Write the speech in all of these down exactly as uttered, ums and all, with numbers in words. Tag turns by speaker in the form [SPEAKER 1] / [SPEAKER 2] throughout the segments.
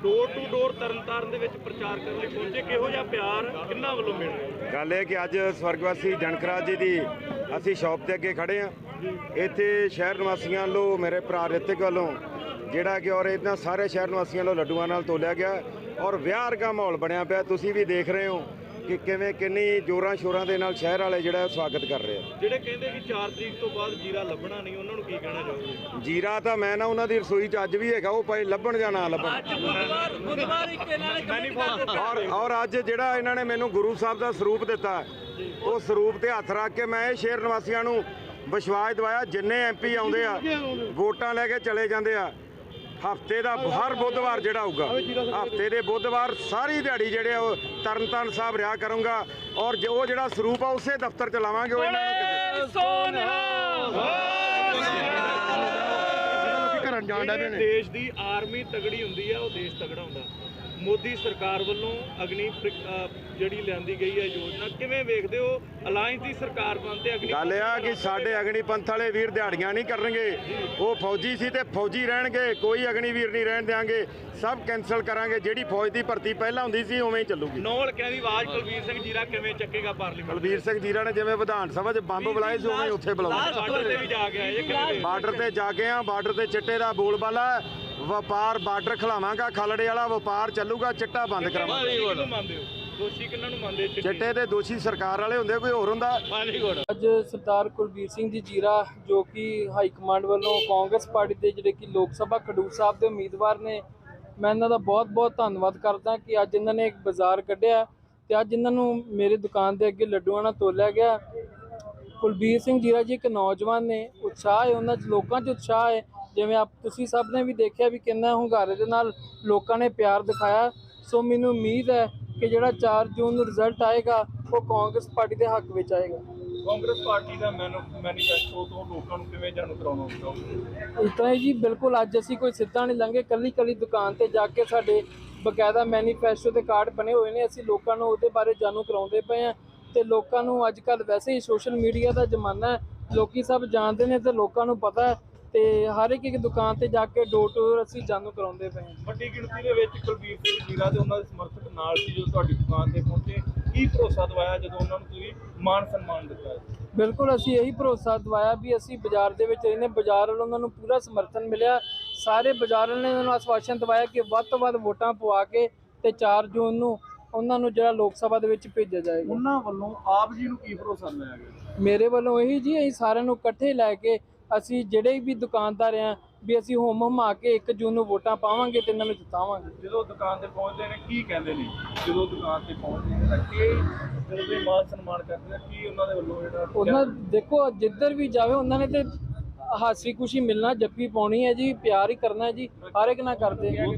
[SPEAKER 1] Door to door Tarn Taran ਦੇ ਵਿੱਚ ਪ੍ਰਚਾਰ ਕਰਨ ਲਈ ਪਹੁੰਚੇ, ਕਿਹੋ ਜਿਹਾ ਪਿਆਰ ਕਿੰਨਾ ਵੱਲੋਂ ਮਿਲ ਰਿਹਾ?
[SPEAKER 2] ਗੱਲ ਇਹ ਕਿ ਅੱਜ ਸਵਰਗਵਾਸੀ ਜਨਕਰਾਜ ਜੀ ਦੀ ਅਸੀਂ ਸ਼ੌਪ ਤੇ ਅੱਗੇ ਖੜੇ ਹਾਂ। ਇੱਥੇ ਸ਼ਹਿਰ ਨਿਵਾਸੀਆਂ ਵੱਲੋਂ, ਮੇਰੇ ਭਰਾ ਰਿਤਿਕ ਵੱਲੋਂ ਜਿਹੜਾ ਕਿ ਔਰ ਇਹਨਾਂ ਸਾਰੇ ਸ਼ਹਿਰ ਨਿਵਾਸੀਆਂ ਵੱਲੋਂ ਲੱਡੂਆਂ ਨਾਲ ਤੋਲਿਆ ਗਿਆ ਔਰ ਵਿਆਹ ਵਰਗਾ ਮਾਹੌਲ ਬਣਿਆ ਪਿਆ। ਤੁਸੀਂ ਵੀ ਦੇਖ ਰਹੇ ਹੋ ਕਿ ਕਿਵੇਂ ਕਿੰਨੀ ਜ਼ੋਰਾਂ ਸ਼ੋਰਾਂ ਦੇ ਨਾਲ ਸ਼ਹਿਰ ਵਾਲੇ ਜਿਹੜਾ ਸਵਾਗਤ ਕਰ ਰਹੇ ਆ।
[SPEAKER 1] ਜਿਹੜੇ ਕਹਿੰਦੇ ਕਿ ਚਾਰ ਤਰੀਕ ਤੋਂ ਬਾਅਦ ਜੀਰਾ ਲੱਭਣਾ ਨਹੀਂ, ਉਹਨਾਂ ਨੂੰ ਕੀ ਕਹਿਣਾ ਚਾਹੋਗੇ?
[SPEAKER 2] ਜੀਰਾ ਤਾਂ ਮੈਂ ਨਾ ਉਹਨਾਂ ਦੀ ਰਸੋਈ 'ਚ ਅੱਜ ਵੀ ਹੈਗਾ, ਉਹ ਭਾਈ ਲੱਭਣ ਜਾਂ ਨਾ ਲੱਭਣ। ਔਰ ਔਰ ਅੱਜ ਜਿਹੜਾ ਇਹਨਾਂ ਨੇ ਮੈਨੂੰ ਗੁਰੂ ਸਾਹਿਬ ਦਾ ਸਰੂਪ ਦਿੱਤਾ, ਉਹ ਸਰੂਪ ਤੇ ਹੱਥ ਰੱਖ ਕੇ ਮੈਂ ਇਹ ਸ਼ਹਿਰ ਨਿਵਾਸੀਆਂ ਨੂੰ ਵਿਸ਼ਵਾਸ ਦਿਵਾਇਆ, ਜਿੰਨੇ ਐਮ ਪੀ ਆਉਂਦੇ ਆ ਵੋਟਾਂ ਲੈ ਕੇ ਚਲੇ ਜਾਂਦੇ ਆ, ਹਫ਼ਤੇ ਦਾ ਹਰ ਬੁੱਧਵਾਰ ਜਿਹੜਾ ਹੋਊਗਾ, ਹਫ਼ਤੇ ਦੇ ਬੁੱਧਵਾਰ ਸਾਰੀ ਦਿਹਾੜੀ ਜਿਹੜੇ ਉਹ ਤਰਨਤਾਰਨ ਸਾਹਿਬ ਰਿਹਾ ਕਰੂੰਗਾ ਔਰ ਉਹ ਜਿਹੜਾ ਸਰੂਪ ਆ ਉਸੇ ਦਫ਼ਤਰ ਚ ਲਾਵਾਂਗੇ। ਉਹ ਇਹਨਾਂ ਨੂੰ
[SPEAKER 1] ਦੇਸ਼ ਦੀ ਆਰਮੀ ਤਗੜੀ ਹੁੰਦੀ ਆ, ਉਹ ਦੇਸ਼ ਤਗੜਾ ਹੁੰਦਾ। ਮੋਦੀ ਸਰਕਾਰ ਵੱਲੋਂ ਅਗਨੀ ਜਿਹੜੀ ਲਿਆਂਦੀ ਗਈ ਹੈ ਯੋਜਨਾ, ਕਿਵੇਂ ਵੇਖਦੇ ਹੋ? ਅਲਾਇੰਸ ਦੀ ਸਰਕਾਰ ਬਣਦੇ ਅਗਨੀ
[SPEAKER 2] ਗੱਲ ਆ ਕਿ ਸਾਡੇ ਅਗਨੀ ਪੰਥ ਵਾਲੇ ਵੀਰ ਦਿਹਾੜੀਆਂ ਨਹੀਂ ਕਰਨਗੇ, ਉਹ ਫੌਜੀ ਸੀ ਤੇ ਫੌਜੀ ਰਹਿਣਗੇ, ਕੋਈ ਅਗਨੀ ਵੀਰ ਨਹੀਂ ਰਹਿਣ ਦਿਆਂਗੇ, ਸਭ ਕੈਂਸਲ ਕਰਾਂਗੇ। ਜਿਹੜੀ ਫੌਜ ਦੀ ਭਰਤੀ ਪਹਿਲਾਂ ਹੁੰਦੀ ਸੀ ਉਵੇਂ ਹੀ ਚੱਲੂਗੀ।
[SPEAKER 1] ਨੌਲ ਕਹਿੰਦੀ ਆਵਾਜ਼ ਕੁਲਬੀਰ ਸਿੰਘ ਜੀਰਾ ਕਿਵੇਂ ਚੱਕੇਗਾ ਪਾਰਲੀਮੈਂਟ?
[SPEAKER 2] ਕੁਲਬੀਰ ਸਿੰਘ ਜੀਰਾ ਨੇ ਜਿਵੇਂ ਵਿਧਾਨ ਸਭਾ 'ਚ ਬੰਬ ਬੁਲਾਏ ਸੀ ਉਵੇਂ ਉੱਥੇ ਬੁਲਾਉਂਦੇ।
[SPEAKER 1] ਬਾਰਡਰ ਤੇ ਵੀ ਜਾ ਕੇ ਆਏ,
[SPEAKER 2] ਬਾਰਡਰ ਤੇ ਜਾ ਕੇ ਆ, ਬਾਰਡਰ ਤੇ ਚਿੱਟੇ ਦਾ ਬੋਲਬਾਲਾ, ਵਪਾਰ ਬਾਰਡਰ ਖਿਲਾਵਾਂਗਾ, ਖਲੜੇ ਵਾਲਾ ਵਪਾਰ ਚੱਲੂਗਾ, ਚਿੱਟਾ ਬੰਦ ਕਰਾਵਾਂਗੇ।
[SPEAKER 1] ਦੋਸ਼ੀ ਕਿਹਨਾਂ ਨੂੰ ਮੰਨਦੇ?
[SPEAKER 2] ਚਿੱਟੇ ਦੇ ਦੋਸ਼ੀ ਸਰਕਾਰ ਵਾਲੇ ਹੁੰਦੇ, ਕੋਈ ਹੋਰ ਹੁੰਦਾ?
[SPEAKER 3] ਅੱਜ ਸਰਦਾਰ ਕੁਲਬੀਰ ਸਿੰਘ ਜੀ ਜੀਰਾ ਜੋ ਕਿ ਹਾਈ ਕਮਾਂਡ ਵੱਲੋਂ ਕਾਂਗਰਸ ਪਾਰਟੀ ਦੇ ਜਿਹੜੇ ਕਿ ਲੋਕ ਸਭਾ ਖਡੂਰ ਸਾਹਿਬ ਦੇ ਉਮੀਦਵਾਰ ਨੇ, ਮੈਂ ਇਹਨਾਂ ਦਾ ਬਹੁਤ ਬਹੁਤ ਧੰਨਵਾਦ ਕਰਦਾ ਕਿ ਅੱਜ ਇਹਨਾਂ ਨੇ ਇੱਕ ਬਾਜ਼ਾਰ ਕੱਢਿਆ ਤੇ ਅੱਜ ਇਹਨਾਂ ਨੂੰ ਮੇਰੇ ਦੁਕਾਨ ਦੇ ਅੱਗੇ ਲੱਡੂਆਂ ਨਾਲ ਤੋਲਿਆ ਗਿਆ। ਕੁਲਬੀਰ ਸਿੰਘ ਜੀਰਾ ਜੀ ਇੱਕ ਨੌਜਵਾਨ ਨੇ, ਉਤਸ਼ਾਹ ਹੈ ਉਹਨਾਂ 'ਚ, ਲੋਕਾਂ 'ਚ ਉਤਸ਼ਾਹ ਹੈ। ਜਿਵੇਂ ਆਪ ਤੁਸੀਂ ਸਭ ਨੇ ਵੀ ਦੇਖਿਆ ਵੀ ਕਿੰਨਾ ਹੁੰਗਾਰੇ ਦੇ ਨਾਲ ਲੋਕਾਂ ਨੇ ਪਿਆਰ ਦਿਖਾਇਆ। ਸੋ ਮੈਨੂੰ ਉਮੀਦ ਹੈ ਕਿ ਜਿਹੜਾ ਚਾਰ ਜੂਨ ਨੂੰ ਰਿਜ਼ਲਟ ਆਏਗਾ ਉਹ ਕਾਂਗਰਸ ਪਾਰਟੀ ਦੇ ਹੱਕ ਵਿੱਚ ਆਏਗਾ।
[SPEAKER 1] ਕਾਂਗਰਸ ਪਾਰਟੀ ਦਾ ਮੈਨੀਫੈਸਟੋ ਤੋਂ ਲੋਕਾਂ ਨੂੰ ਕਿਵੇਂ ਜਾਣੂ ਕਰਾਉਣਾ ਚਾਹੁੰਦੇ?
[SPEAKER 3] ਇਸ ਤਰ੍ਹਾਂ ਹੀ ਜੀ, ਬਿਲਕੁਲ ਅੱਜ ਅਸੀਂ ਕੋਈ ਸਿੱਧਾ ਨਹੀਂ ਲੰਘੇ, ਕੱਲੀ ਕੱਲੀ ਦੁਕਾਨ ਤੇ ਜਾ ਕੇ ਸਾਡੇ ਬਕਾਇਦਾ ਮੈਨੀਫੈਸਟੋ ਦੇ ਕਾਰਡ ਬਣੇ ਹੋਏ ਨੇ, ਅਸੀਂ ਲੋਕਾਂ ਨੂੰ ਉਹਦੇ ਬਾਰੇ ਜਾਣੂ ਕਰਾਉਂਦੇ ਪਏ ਹਾਂ। ਤੇ ਲੋਕਾਂ ਨੂੰ ਅੱਜ ਕੱਲ੍ਹ ਵੈਸੇ ਹੀ ਸੋਸ਼ਲ ਮੀਡੀਆ ਦਾ ਜ਼ਮਾਨਾ ਹੈ, ਲੋਕੀ ਸਭ ਜਾਣਦੇ ਨੇ ਤੇ ਲੋਕਾਂ ਨੂੰ ਪਤਾ ਹੈ, ਤੇ ਹਰ ਇੱਕ ਇੱਕ ਦੁਕਾਨ ਤੇ ਜਾ ਕੇ ਡੋਰ ਟੂ ਡੋਰ ਅਸੀਂ ਜਾਣੂ ਕਰਾਉਂਦੇ ਪਏ ਹਾਂ।
[SPEAKER 1] ਵੱਡੀ ਗਿਣਤੀ ਦੇ ਵਿੱਚ ਕੁਲਬੀਰ ਸਿੰਘ ਜੀਰਾ ਤੇ ਉਹਨਾਂ ਦੇ ਸਮਰਥਕ ਨਾਲ ਸੀ ਜਦੋਂ ਤੁਹਾਡੀ ਦੁਕਾਨ ਤੇ ਪਹੁੰਚੇ, ਕੀ ਭਰੋਸਾ ਦਵਾਇਆ ਜਦੋਂ ਉਹਨਾਂ ਨੂੰ ਤੁਸੀਂ ਮਾਨ ਸਨਮਾਨ ਦਿੱਤਾ?
[SPEAKER 3] ਬਿਲਕੁਲ ਅਸੀਂ ਇਹੀ ਭਰੋਸਾ ਦਵਾਇਆ ਵੀ ਅਸੀਂ ਬਾਜ਼ਾਰ ਦੇ ਵਿੱਚ ਰਹਿੰਦੇ, ਬਾਜ਼ਾਰ ਵੱਲੋਂ ਉਹਨਾਂ ਨੂੰ ਪੂਰਾ ਸਮਰਥਨ ਮਿਲਿਆ। ਸਾਰੇ ਬਾਜ਼ਾਰ ਵਾਲਿਆਂ ਨੇ ਉਹਨਾਂ ਨੂੰ ਆਸ਼ਵਾਸਨ ਦਵਾਇਆ ਕਿ ਵੱਧ ਤੋਂ ਵੱਧ ਵੋਟਾਂ ਪਵਾ ਕੇ ਤੇ ਚਾਰ ਜੂਨ ਨੂੰ ਉਹਨਾਂ ਨੂੰ ਜਿਹੜਾ ਲੋਕ ਸਭਾ ਦੇ ਵਿੱਚ ਭੇਜਿਆ ਜਾਏਗਾ।
[SPEAKER 1] ਉਹਨਾਂ ਵੱਲੋਂ ਆਪ ਜੀ ਨੂੰ ਕੀ ਭਰੋਸਾ ਦਿਵਾਇਆ ਗਿਆ?
[SPEAKER 3] ਮੇਰੇ ਵੱਲੋਂ ਇਹੀ ਜੀ, ਅਸੀਂ ਸਾਰਿਆਂ ਨੂੰ ਇਕੱਠੇ ਲੈ ਕੇ ਅਸੀਂ ਜਿਹੜੇ ਵੀ ਦੁਕਾਨਦਾਰ ਆ ਵੀ ਅਸੀਂ ਹੋਮ ਹਮਾ ਕੇ ਇੱਕ ਜੂਨ ਨੂੰ ਵੋਟਾਂ ਪਾਵਾਂਗੇ ਤੇ ਇਹਨਾਂ ਨੂੰ ਜਿਤਾਵਾਂਗੇ।
[SPEAKER 1] ਜਦੋਂ ਦੁਕਾਨ ਤੇ ਪਹੁੰਚਦੇ ਨੇ ਕੀ ਕਹਿੰਦੇ ਨੇ? ਜਦੋਂ ਦੁਕਾਨ ਤੇ ਪਹੁੰਚਦੇ ਨੇ ਤਾਂ ਕੀ ਜਦੋਂ ਵੀ ਮਾਨ ਸਨਮਾਨ ਕਰਦੇ ਨੇ, ਕੀ ਉਹਨਾਂ ਦੇ ਵੱਲੋਂ ਜਿਹੜਾ
[SPEAKER 3] ਉਹਨਾਂ ਦੇਖੋ ਜਿੱਧਰ ਵੀ ਜਾਵੇ ਉਹਨਾਂ ਨੇ ਤੇ ਹਾਸੀ ਖੁਸ਼ੀ ਮਿਲਣਾ, ਜੱਫੀ ਪਾਉਣੀ ਹੈ ਜੀ, ਪਿਆਰ ਹੀ ਕਰਨਾ ਹੈ ਜੀ, ਹਰ ਇੱਕ ਨਾਲ ਕਰਦੇ ਹਾਂ।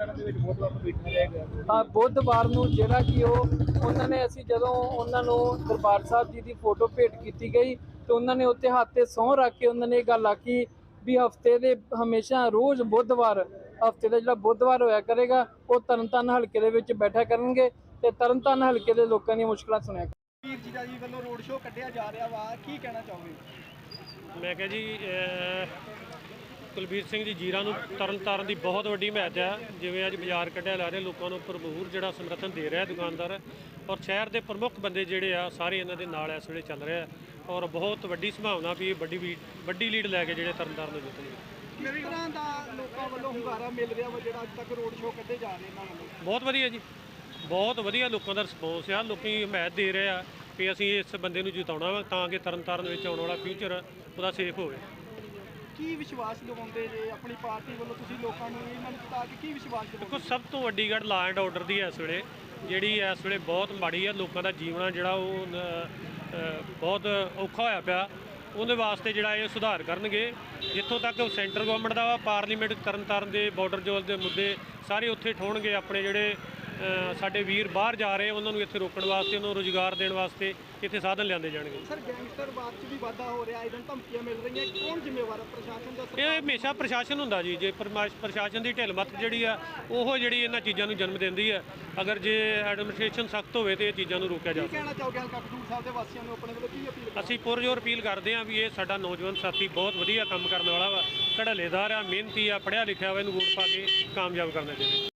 [SPEAKER 3] ਬੁੱਧਵਾਰ ਨੂੰ ਜਿਹੜਾ ਕਿ ਉਹ ਉਹਨਾਂ ਨੇ, ਅਸੀਂ ਜਦੋਂ ਉਹਨਾਂ ਨੂੰ ਦਰਬਾਰ ਸਾਹਿਬ ਜੀ ਦੀ ਫੋਟੋ ਭੇਟ ਕੀਤੀ ਗਈ ਤੇ ਉਹਨਾਂ ਨੇ ਉੱਤੇ ਹੱਥ ਤੇ ਸਹੁੰ ਰੱਖ ਕੇ ਉਹਨਾਂ ਨੇ ਇਹ ਗੱਲ ਆਖੀ ਵੀ ਹਫ਼ਤੇ ਦੇ ਹਮੇਸ਼ਾ ਰੋਜ਼ ਬੁੱਧਵਾਰ, ਹਫ਼ਤੇ ਦਾ ਜਿਹੜਾ ਬੁੱਧਵਾਰ ਹੋਇਆ ਕਰੇਗਾ ਉਹ ਤਰਨਤਾਰਨ ਹਲਕੇ ਦੇ ਵਿੱਚ ਬੈਠਾ ਕਰਨਗੇ ਤੇ ਤਰਨਤਾਰਨ ਹਲਕੇ ਦੇ ਲੋਕਾਂ ਦੀਆਂ ਮੁਸ਼ਕਲਾਂ ਸੁਣਿਆ।
[SPEAKER 4] ਕੁਲਬੀਰ ਜੀਰਾ ਜੀ ਵੱਲੋਂ ਰੋਡ ਸ਼ੋਅ ਕੱਢਿਆ ਜਾ ਰਿਹਾ ਵਾ, ਕੀ ਕਹਿਣਾ ਚਾਹੋਗੇ?
[SPEAKER 5] ਮੈਂ ਕਿਹਾ ਜੀ ਕੁਲਬੀਰ ਸਿੰਘ ਜੀ ਜੀਰਾ ਨੂੰ ਤਰਨਤਾਰਨ ਦੀ ਬਹੁਤ ਵੱਡੀ ਹਮਾਇਤ ਹੈ। ਜਿਵੇਂ ਅੱਜ ਬਾਜ਼ਾਰ ਕੱਢਿਆ ਲਾ ਰਹੇ, ਲੋਕਾਂ ਨੂੰ ਭਰਪੂਰ ਜਿਹੜਾ ਸਮਰਥਨ ਦੇ ਰਿਹਾ ਦੁਕਾਨਦਾਰ, ਔਰ ਸ਼ਹਿਰ ਦੇ ਪ੍ਰਮੁੱਖ ਬੰਦੇ ਜਿਹੜੇ ਆ ਸਾਰੇ ਇਹਨਾਂ ਦੇ ਨਾਲ ਇਸ ਵੇਲੇ ਚੱਲ ਰਿਹਾ, ਔਰ ਬਹੁਤ ਵੱਡੀ ਸੰਭਾਵਨਾ ਵੀ ਵੱਡੀ ਵੱਡੀ ਲੀਡ ਲੈ ਕੇ ਜਿਹੜੇ ਤਰਨਤਾਰਨ ਨੂੰ ਜਿੱਤਣਗੇ।
[SPEAKER 4] ਕਿਸ ਤਰ੍ਹਾਂ ਦਾ ਲੋਕਾਂ ਵੱਲੋਂ ਹੁੰਗਾਰਾ ਮਿਲ ਰਿਹਾ ਵਾ ਜਿਹੜਾ ਅੱਜ ਤੱਕ ਰੋਡ ਸ਼ੋਅ ਕੱਢੇ ਜਾ ਰਹੇ ਇਹਨਾਂ ਵੱਲੋਂ?
[SPEAKER 5] ਬਹੁਤ ਵਧੀਆ ਜੀ, ਬਹੁਤ ਵਧੀਆ ਲੋਕਾਂ ਦਾ ਰਿਸਪੌਂਸ ਆ। ਲੋਕੀ ਹਮਾਇਤ ਦੇ ਰਹੇ ਆ ਕਿ ਅਸੀਂ ਇਸ ਬੰਦੇ ਨੂੰ ਜਿਤਾਉਣਾ ਵਾ ਤਾਂ ਕਿ ਤਰਨਤਾਰਨ ਵਿੱਚ ਆਉਣ ਵਾਲਾ ਫਿਊਚਰ ਉਹਦਾ ਸੇਫ ਹੋਵੇ।
[SPEAKER 4] ਕੀ ਵਿਸ਼ਵਾਸ ਦਿਵਾਉਂਦੇ ਜੇ ਆਪਣੀ ਪਾਰਟੀ ਵੱਲੋਂ ਤੁਸੀਂ ਲੋਕਾਂ ਨੂੰ ਇਹਨਾਂ ਨੂੰ ਜਿਤਾ ਕੇ ਕੀ ਵਿਸ਼ਵਾਸ ਦਿਵਾਉਂਦੇ?
[SPEAKER 5] ਦੇਖੋ ਸਭ ਤੋਂ ਵੱਡੀ ਗੱਲ ਲਾ ਐਂਡ ਆਰਡਰ ਦੀ ਇਸ ਵੇਲੇ, ਜਿਹੜੀ ਇਸ ਵੇਲੇ ਬਹੁਤ ਮਾੜੀ ਹੈ। ਲੋਕਾਂ ਦਾ ਜੀਵਨ ਜਿਹੜਾ ਉਹ ਬਹੁਤ ਔਖਾ ਹੋਇਆ ਪਿਆ, ਉਹਦੇ ਵਾਸਤੇ ਜਿਹੜਾ ਇਹ ਸੁਧਾਰ ਕਰਨਗੇ। ਜਿੱਥੋਂ ਤੱਕ ਸੈਂਟਰ ਗੌਰਮੈਂਟ ਦਾ ਵਾ, ਪਾਰਲੀਮੈਂਟ ਤਰਨਤਾਰਨ ਦੇ ਬਾਰਡਰ ਜੋਲ ਦੇ ਮੁੱਦੇ ਸਾਰੇ ਉੱਥੇ ਠੋਣਗੇ। ਆਪਣੇ ਜਿਹੜੇ ਸਾਡੇ ਵੀਰ ਬਾਹਰ ਜਾ ਰਹੇ ਉਹਨਾਂ ਨੂੰ ਇੱਥੇ ਰੋਕਣ ਵਾਸਤੇ, ਉਹਨਾਂ ਨੂੰ ਰੁਜ਼ਗਾਰ ਦੇਣ ਵਾਸਤੇ ਇੱਥੇ ਸਾਧਨ ਲਿਆਂਦੇ ਜਾਣਗੇ।
[SPEAKER 4] ਸਰ ਗੈਂਗਸਟਰਵਾਦ 'ਚ ਵੀ ਵਾਧਾ ਹੋ ਰਿਹਾ, ਇਹਨਾਂ ਧਮਕੀਆਂ ਮਿਲ ਰਹੀਆਂ, ਕੌਣ ਜ਼ਿੰਮੇਵਾਰ ਹੈ? ਪ੍ਰਸ਼ਾਸਨ ਦਾ?
[SPEAKER 5] ਇਹ ਹਮੇਸ਼ਾ ਪ੍ਰਸ਼ਾਸਨ ਹੁੰਦਾ ਜੀ। ਜੇ ਪ੍ਰਸ਼ਾਸਨ ਦੀ ਢਿੱਲ ਮੱਤ ਜਿਹੜੀ ਆ ਉਹ ਜਿਹੜੀ ਇਹਨਾਂ ਚੀਜ਼ਾਂ ਨੂੰ ਜਨਮ ਦਿੰਦੀ ਹੈ। ਅਗਰ ਜੇ ਐਡਮਿਨਿਸਟ੍ਰੇਸ਼ਨ ਸਖਤ ਹੋਵੇ ਤਾਂ ਇਹ ਚੀਜ਼ਾਂ ਨੂੰ ਰੋਕਿਆ ਜਾ ਸਕਦਾ।
[SPEAKER 4] ਕੀ ਕਹਿਣਾ ਚਾਹੋਗੇ ਹਲਕਾ ਖਡੂਰ ਸਾਹਿਬ ਦੇ ਵਾਸੀਆਂ ਨੂੰ ਆਪਣੇ ਵੱਲੋਂ ਕੀ ਅਪੀਲ?
[SPEAKER 5] ਅਸੀਂ ਪੁਰਜੋਰ ਅਪੀਲ ਕਰਦੇ ਹਾਂ ਵੀ ਇਹ ਸਾਡਾ ਨੌਜਵਾਨ ਸਾਥੀ ਬਹੁਤ ਵਧੀਆ ਕੰਮ ਕਰਨ ਵਾਲਾ ਵਾ, ਧੜੱਲੇਦਾਰ ਆ, ਮਿਹਨਤੀ ਆ, ਪੜ੍ਹਿਆ ਲਿਖਿਆ ਵਾ, ਇਹਨੂੰ ਵੋਟ ਪਾ ਕੇ ਕਾਮਯਾਬ ਕਰਨਾ ਚਾਹੀਦਾ।
[SPEAKER 4] ਸਰ ਅੱਜ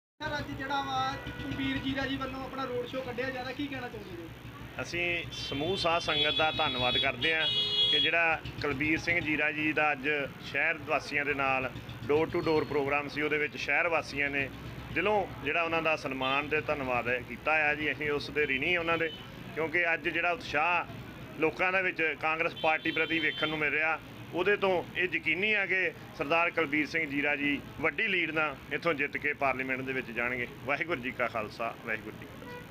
[SPEAKER 4] ਅੱਜ ਜਿਹੜਾ ਵਾ ਕੁਲਬੀਰ ਜੀਰਾ ਜੀ ਵੱਲੋਂ ਆਪਣਾ ਰੋਡ ਸ਼ੋਅ ਕੱਢਿਆ ਜਾਂਦਾ, ਕੀ ਕਹਿਣਾ ਚਾਹੁੰਦੇ ਜੀ?
[SPEAKER 6] ਅਸੀਂ ਸਮੂਹ ਸਾਧ ਸੰਗਤ ਦਾ ਧੰਨਵਾਦ ਕਰਦੇ ਹਾਂ ਕਿ ਜਿਹੜਾ ਕੁਲਬੀਰ ਸਿੰਘ ਜੀਰਾ ਜੀ ਦਾ ਅੱਜ ਸ਼ਹਿਰ ਵਾਸੀਆਂ ਦੇ ਨਾਲ ਡੋਰ ਟੂ ਡੋਰ ਪ੍ਰੋਗਰਾਮ ਸੀ, ਉਹਦੇ ਵਿੱਚ ਸ਼ਹਿਰ ਵਾਸੀਆਂ ਨੇ ਦਿਲੋਂ ਜਿਹੜਾ ਉਹਨਾਂ ਦਾ ਸਨਮਾਨ ਤੇ ਧੰਨਵਾਦ ਕੀਤਾ ਆ ਜੀ। ਅਸੀਂ ਉਸ ਦੇ ਰਿਣੀ ਉਹਨਾਂ ਦੇ, ਕਿਉਂਕਿ ਅੱਜ ਜਿਹੜਾ ਉਤਸ਼ਾਹ ਲੋਕਾਂ ਦੇ ਵਿੱਚ ਕਾਂਗਰਸ ਪਾਰਟੀ ਪ੍ਰਤੀ ਵੇਖਣ ਨੂੰ ਮਿਲ ਰਿਹਾ, ਉਹਦੇ ਤੋਂ ਇਹ ਯਕੀਨੀ ਆ ਕਿ ਸਰਦਾਰ ਕੁਲਬੀਰ ਸਿੰਘ ਜੀਰਾ ਜੀ ਵੱਡੀ ਲੀਡ ਨਾਲ ਇੱਥੋਂ ਜਿੱਤ ਕੇ ਪਾਰਲੀਮੈਂਟ ਦੇ ਵਿੱਚ ਜਾਣਗੇ। ਵਾਹਿਗੁਰੂ ਜੀ ਕਾ ਖਾਲਸਾ, ਵਾਹਿਗੁਰੂ ਜੀ ਕੀ ਫਤਿਹ।